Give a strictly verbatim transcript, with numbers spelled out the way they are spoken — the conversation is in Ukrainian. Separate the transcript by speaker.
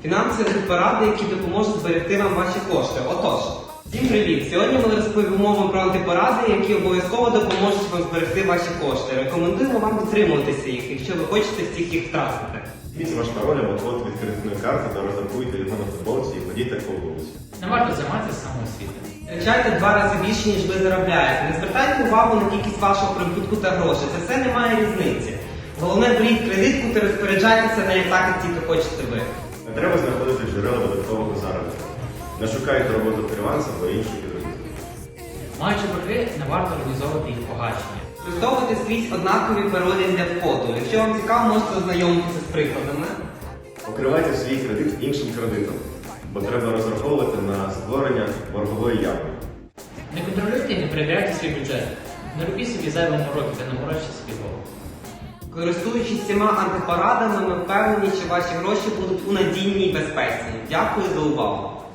Speaker 1: Фінансові поради, які допоможуть зберегти вам ваші кошти. Отож, всім привіт! Сьогодні ми розповімо вам про антипоради, які обов'язково допоможуть вам зберегти ваші кошти. Рекомендуємо вам дотримуватися їх, якщо ви хочете всіх їх втратити.
Speaker 2: Візьміть ваш пароль або код від кредитної карти та роздрукуйте його на футболці і ходіть по вулиці.
Speaker 3: Не варто займатися самоосвітою.
Speaker 1: Втрачайте два рази більше, ніж ви заробляєте. Не звертайте увагу на кількість вашого прибутку та грошей. Це все не має різниці. Головне, беріть кредитку та розпоряджайтеся нею так, як тільки хочете ви.
Speaker 2: Не треба знаходити джерела додаткового заробітку. Не шукайте роботу фріланса або інших підробіток.
Speaker 3: Маючи борги, не варто організовувати їх погашення.
Speaker 1: Використовуйте скрізь однакові паролі для входу. Якщо вам цікаво, можете ознайомитися з прикладами.
Speaker 2: Покривайте свій кредит іншим кредитом, бо треба розраховувати на створення боргової ями.
Speaker 3: Не контролюйте і не перевіряйте свій бюджет. Не робіть собі зайвого мороки та не морочте собі голову.
Speaker 1: Користуючись цими антипорадами, ми впевнені, що ваші гроші будуть у надійній безпеці. Дякую за увагу!